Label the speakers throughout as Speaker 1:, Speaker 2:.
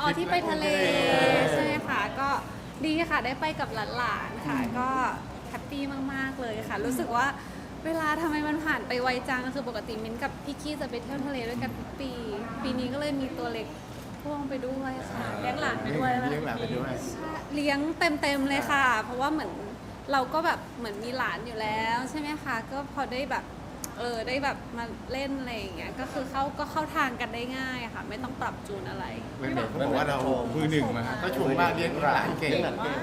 Speaker 1: อ๋อที่ไปทะเลใช่ค่ะก็ดีค่ะได้ไปกับหลานๆค่ะก็แฮปปี้มากๆเลยค่ะรู้สึกว่าเวลาทำไมมันผ่านไปไวจังคือปกติมิ้นท์กับพี่กี้จะไปเที่ยวทะเลด้วยกันทุกปีปีนี้ก็เลยมีตัวเล็กพ่วงไปด้วยค่ะเลี้ยงหลานไปด้วย
Speaker 2: เลี้ยงหลานไปด้วย
Speaker 1: เลี้ยงเต็มๆเลยค่ะ เพราะว่าเหมือนเราก็แบบเหมือนมีหลานอยู่แล้วใช่ไหมคะก็พอได้แบบได้แบบมาเล่นอะไรอย่างเงี้ยก็คือเข้าทางกันได้ง่ายค่ะไม่ต้องปรับจูนอะไร
Speaker 2: ไม่เหมือนเขาบอกว่าเรามือหนึ่งมาก็ชมว่าเลี้ยงหลานเก่ง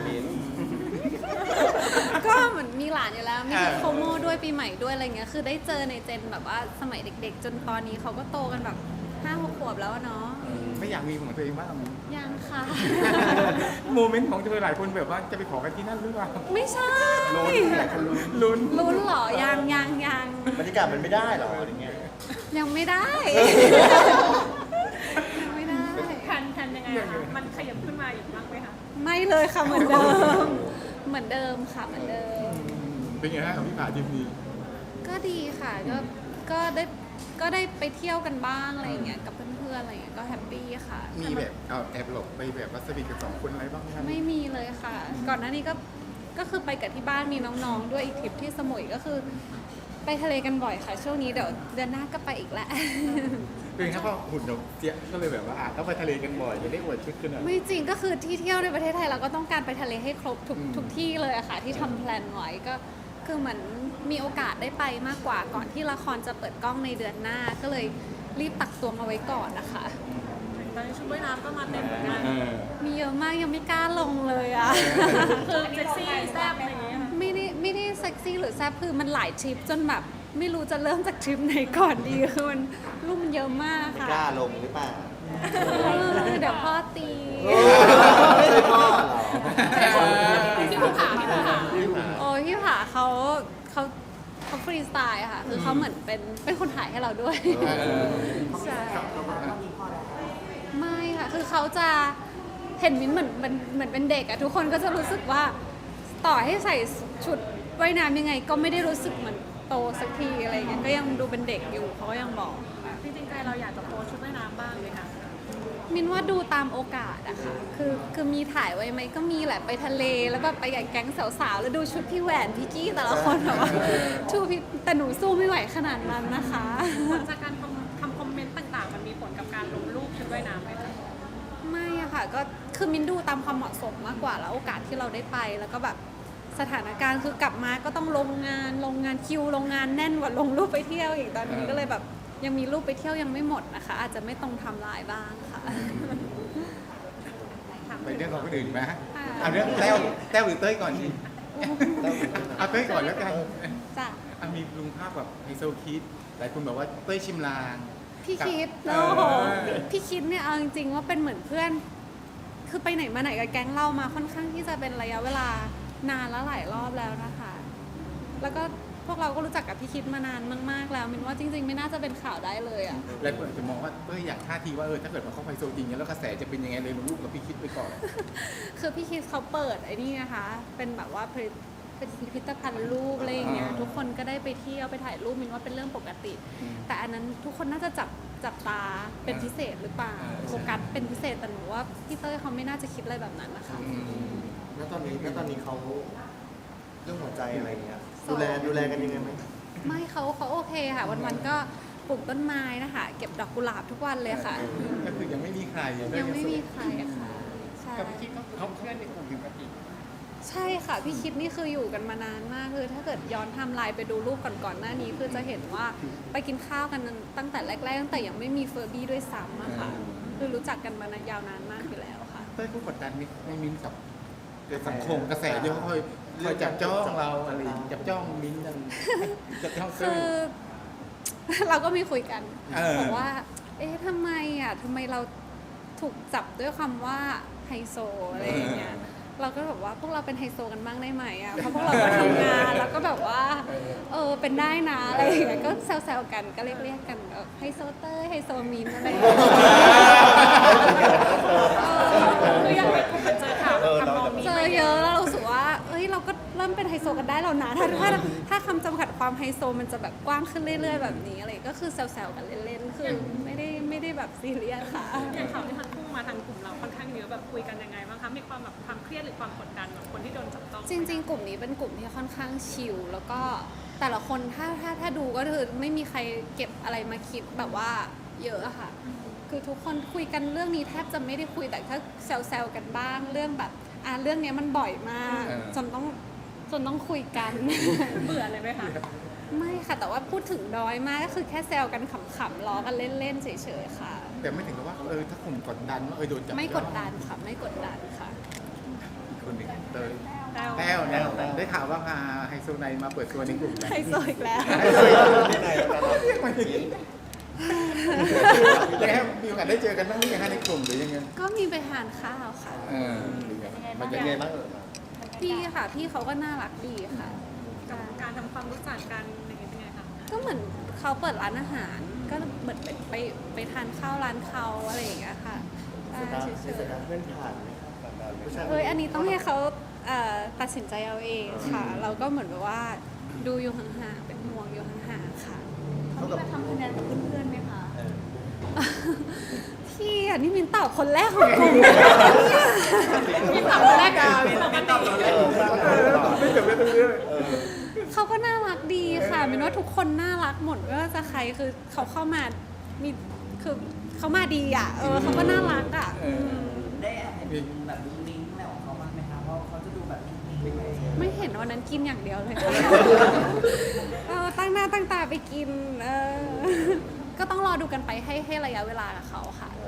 Speaker 1: ก็เหมือนมีหลานอยู่แล้วมีโคโมด้วยปีใหม่ด้วยอะไรเงี้ยคือได้เจอในเจนแบบว่าสมัยเด็กๆ จนตอนนี้เขาก็โตกันแบบ5-6 ขวบแล้วอะเนาะ
Speaker 2: ไม่อยากมีของตัวเองบ้าง
Speaker 1: ยังค่ะ
Speaker 2: โมเมนต์ของเธอหลายคนแบบว่าจะไปขอกันที่นั่นหรือเปล่า
Speaker 1: ไม่ใช่
Speaker 3: หลายคนลุ้น
Speaker 1: ลุ้นเหรอยัง
Speaker 3: บรรยากาศมันไม่ได้หรออะไรเงี้ย
Speaker 1: ยังไม่ได้ ยังไม่ได้
Speaker 4: ทันยังไงคะมันขยับขึ้นมาอีกบ้างไหมคะ
Speaker 1: ไม่เลยค่ะเหมือนเดิม เหมือนเดิมค่ะเหมือนเดิม
Speaker 2: เป็นไงฮะกับพี่ผาทีมนี้
Speaker 1: ก็ดีค่ะก็ได้ไปเที่ยวกันบ้างอะไรอย่างเงี้ยกับเพื่อนๆอะไรอย่างเงี้ยก็แฮปปี้ค่ะ
Speaker 2: มีแบบเอาแอบหลบไปแบบวัสดุกับสองคนอะไรบ้างไหมครับ
Speaker 1: ไม่มีเลยค่ะ ก่อนหน้านี้ก็คือไปกับที่บ้านมีน้องๆด้วยอีกทริปที่สมุยก็คือ ไปทะเลกันบ่อยค่ะ ช่วงนี้เดี๋ยวเดือนหน้าก็ไปอีกแล้ว
Speaker 2: เป็นครับว่าหุ่นเราเสียก็เลยแบบว่าต้องไปทะเลกันบ่อยจะได้อวดชุดขึ้นหน่อย
Speaker 1: ไม่จริงก็คือที่เที่ยวในประเทศไทยเราก็ต้องการไปทะเลให้ครบทุกที่เลยอะค่ะ ที่ทำแพลนไว้ก็คือเหมือนมีโอกาสได้ไปมากกว่าก่อนที่ละครจะเปิดกล้องในเดือนหน้าก็เลยรีบตักตวงเอาไว้ก่อนนะคะ
Speaker 4: ตอนนี้ชุดว่ายน้ำก็มาเต็มเหมือนกัน
Speaker 1: มีเยอะมากยังไม่กล้าลงเลยอะ
Speaker 4: คือเซ็กซี่แซ่บอะไรอย่างเงี้ยค่ะ
Speaker 1: ไม่ได้เซ็กซี่หรือแซ่บคือมันหลายทริปจนแบบไม่รู้จะเริ่มจากทริปไหนก่อนดีคือมันรูปมันเยอะมาก
Speaker 3: ไม่
Speaker 1: ค่ะ
Speaker 3: กล้าลงหรือเปล่า
Speaker 1: เดี๋ยวพ่อตี
Speaker 3: ไม่ใช่พ่อเหรอ
Speaker 4: ที่ภูผาที่ภูผา
Speaker 1: โอ้ยพี่ผาเขาฟรีสไตล์ค่ะ คือเขาเหมือนเป็นคนถ่ายให้เราด้วยใช่ไม่ค่ะ คือเขาจะเห็นมิ้นเหมือนเป็นเด็กอะทุกคนก็จะรู้สึกว่าต่อให้ใส่ชุดว่ายน้ำยังไง ก็ไม่ได้รู้สึกเหมือนโตสักทีอะไรอย่างเงี้ยก็ยังดูเป็นเด็กอยู่เขาก็ยังบอก
Speaker 4: จริงๆใจเราอยากจะโพสชุดว่ายน้ำบ้างไหมคะ
Speaker 1: มินว่าดูตามโอกาสอะค่ะคือมีถ่ายไว้ไหมก็มีแหละไปทะเลแล้วแบบไปกับแก๊งสาวๆแล้วดูชุดพี่แหวนพี่กี้แต่ละคนแบบว่าชูพี่แต่หนูสู้ไม่ไหวขนาดนั้นนะคะ
Speaker 4: ผลจากการทำคอมเมนต์ต่างๆ มันมีผลกับการลงรูปชุดว่ายน้ำไหมคะ
Speaker 1: ไม่อะค่ะก็คือมินดูตามความเหมาะสมมากกว่าแล้วโอกาสที่เราได้ไปแล้วก็แบบสถานการณ์คือกลับมาก็ต้องลงงานคิวลงงานแน่นกว่าลงรูปไปเที่ยวอีกตอนนี้ก็เลยแบบยังมีรูปไปเที่ยวยังไม่หมดนะคะ อาจจะไม่ตรงไทำลายบ้างค่ะ
Speaker 2: ไปเรื่องของคนอื่นไหม
Speaker 1: ค่ะ
Speaker 2: เอาเรื่องแต้วหรือเต้ยก่อนดิเอาเต้ยก่อนแล้วกัน
Speaker 1: จ้ะ
Speaker 2: มีลุงภาพแบบไฮโซคิดหลายคนบอกว่าเต้ยชิมลาง
Speaker 1: พี่คิด
Speaker 2: เอ
Speaker 1: โอ้โห
Speaker 2: อ
Speaker 1: พี่คิดเนี่ยเอาจริงๆว่าเป็นเหมือนเพื่อน คือไปไหนมาไหนกับแก๊งเรามาค่อนข้างที่จะเป็นระยะเวลานานแล้วหลายรอบแล้วนะคะ แล้วก็พวกเราก็รู้จักกับพี่คิดมานานมากๆแล้วมินว่าจริงๆไม่น่าจะเป็นข่าวได้เลยอ่ะ
Speaker 2: หลายคนอาจจะมองว่าเต้ยอยากท่าทีว่าถ้าเกิดมาเข้าไฮโซจริงเนี่ยแล้วกระแสจะเป็นยังไงเลยลงรูปกับพี่คิดไปก่อน
Speaker 1: คือพี่คิดเขาเปิดไอ้นี่นะคะ เป็นแบบว่าเป็นพิพิธภัณฑ์รูปอะไรอย่างเงี้ย ทุกคนก็ได้ไปเที่ยวไปถ่ายรูปมินว่าเป็นเรื่องปกติ แต่อันนั้นทุกคนน่าจะจับตาเป็นพิเศษหรือเปล่าโฟกัสเป็นพิเศษแต่หนูว่าพี่เต้ยเขาไม่น่าจะคิดอะไรแบบนั้นนะคะ
Speaker 3: แล้วตอนนี้เขาเรื่องหัวใจอะไรเงี้ยดูแลกันยังไงไหม
Speaker 1: ไม่เขาโอเคค่ะ วันๆก็ปลูกต้นไม้นะคะ เก็บดอกกุหลาบทุกวันเลยค่ะ
Speaker 2: ก็คือยังไม่มีใคร
Speaker 1: ยังไม่มีใครอะค่ะใช่
Speaker 2: กับพี่คิดก็เขาเพื่อนในกลุ่มปกติ
Speaker 1: ใช่ค่ะ พี่คิดนี่คืออยู่กันมานานมากคือถ้าเกิดย้อนไทม์ไลน์ไปดูรูปก่อนๆหน้านี้ คือจะเห็นว่าไปกินข้าวกันตั้งแต่แรกๆตั้งแต่ยังไม่มีเฟอร์บี้ด้วยซ้ำอะค่ะคือรู้จักกันมานานยาวนานมากอยู่แล้วค่ะ
Speaker 2: เต้ยผู้กดดันไม่มิ้นกับสังคมกระแสเยอะคอยจับจ้องเราอะไรจับจ้องมิ้นกันจับจ้องเต้
Speaker 1: คื
Speaker 2: ย
Speaker 1: อ เราก็มีคุยกัน บอกว่า เอ๊ะทำไมเราถูกจับด้วยคำว่าไฮโซอะไรอย่างเงี้ย เราก็แบบว่าพวกเราเป็นไฮโซกันบ้างได้ไหมอ่ะ เพราะพวกเราก็ทำงานแล้วก็แบบว่าเป็นได้นะอะไรอย่างเงี้ย ก็แซวๆกันก็เรียกกันไฮโซเตอร์ไฮโซมินอะไรอย่างเงี้ย
Speaker 4: คืออยากไปกลุ่มมันเจอข่าวทำนองนี้
Speaker 1: เจอเยอะแล้วเรารู้สึกว่าเอ้ยเราก็เริ่มเป็นไฮโซกันได้แล้วนะถ้าคำจำกัดความไฮโซมันจะแบบกว้างขึ้นเรื่อยๆแบบนี้อะไรก็คือแซวๆกันเล่นๆคือไม่ได้แบบซีเรียสค่ะ
Speaker 4: อย่างข่าวที่มันพุ่งมาทางกลุ่มเราค่อนข้างความแบบความเครียดหรือความกดดันของคนที่โดนจับต้อง
Speaker 1: จริงๆ กลุ่มนี้เป็นกลุ่มที่ค่อนข้างชิลแล้วก็แต่ละคนถ้าดูก็คือไม่มีใครเก็บอะไรมาคิดแบบว่าเยอะอะค่ะ คือทุกคนคุยกันเรื่องนี้แทบจะไม่ได้คุยแต่ถ้าแซวๆกันบ้างเรื่องแบบเรื่องเนี้ยมันบ่อยมากจนต้องคุยกัน
Speaker 4: เบื่อเลยไหมคะ
Speaker 1: ไม่ค่ะแต่ว่าพูดถึงน้อยมากก็คือแค่แซวกันขำๆล้อกันเล่นๆเฉยๆค่ะ
Speaker 2: แต่ไม่ถึงกับว่าถ้ากลุ่มกดดันว่าโดนจับ
Speaker 1: ไม่กดดันค่ะไม่กดดันค่ะ
Speaker 2: อีกคนหนึ่งเตย
Speaker 4: แต้ว
Speaker 2: แต้วเนี่ยได้ข่าวว่าพาไฮโซไนมาเปิดตัวในกลุ่ม
Speaker 1: ไฮโซอีกแล้ว
Speaker 3: ที่ไหนแล้วกัน
Speaker 2: เรียกมันอย่างนี้ยังไงครับมีโอกาสได้เจอกันบ้างหรือยังฮะในกลุ่มหรือยังไง
Speaker 1: ก็มีไปทานข้าวค่ะ
Speaker 2: หรือยังไง
Speaker 3: มันยังไงบ้างเออ
Speaker 1: พี่ค่ะพี่เขาก็น่ารักดีค่ะ
Speaker 4: กับการทำความรู้จักกันอะไรอย่างเงี้ยเป็นไงคะ
Speaker 1: ก็เหมือนเขาเปิดร้านอาหาร ก็เหมือนไปทานข้าวร้านเขาอะไรอย่างเงี้ยค่ะ
Speaker 3: สตาร์
Speaker 1: เฉ
Speaker 3: ท
Speaker 1: ย
Speaker 3: สตาร์ทเพื่อนผ่านไหมครับผู้ชาย
Speaker 1: ๆอันนี้ต้องให้เขาตัดสินใจเอาเองค่ะ เราก็เหมือนแบบว่าดูอยู่ห่างๆเป็นห่วงอยู่ห่างๆค่ะ
Speaker 3: เขากับทำคะแนนกับเพื่อนๆไหมคะ
Speaker 1: พี่นี่มินตอบคนแรกของกลุ่ม
Speaker 4: มีถามคนแรกกันปกติ
Speaker 2: ไม่เกิดไม่เป็นเรื่อง
Speaker 1: เขาก็น่ารักดีค่ะมินว่าทุกคนน่ารักหมดไม่ว่าจะใครคือเขาเข้ามามีคือเขามาดีอ่ะเขาก็น่ารักอ่ะ
Speaker 5: ได้แอบเห็นแบบลิงก์อะไรของเขาบ้างไหมคะเพราะเขาจะดูแบบนิ่งๆไป
Speaker 1: ไม่เห็นวันนั้นกินอย่างเดียวเลยค่ะตั้งหน้าตั้งตาไปกินก็ต้องรอดูกันไปให้ระยะเวลากับเขาค่ะ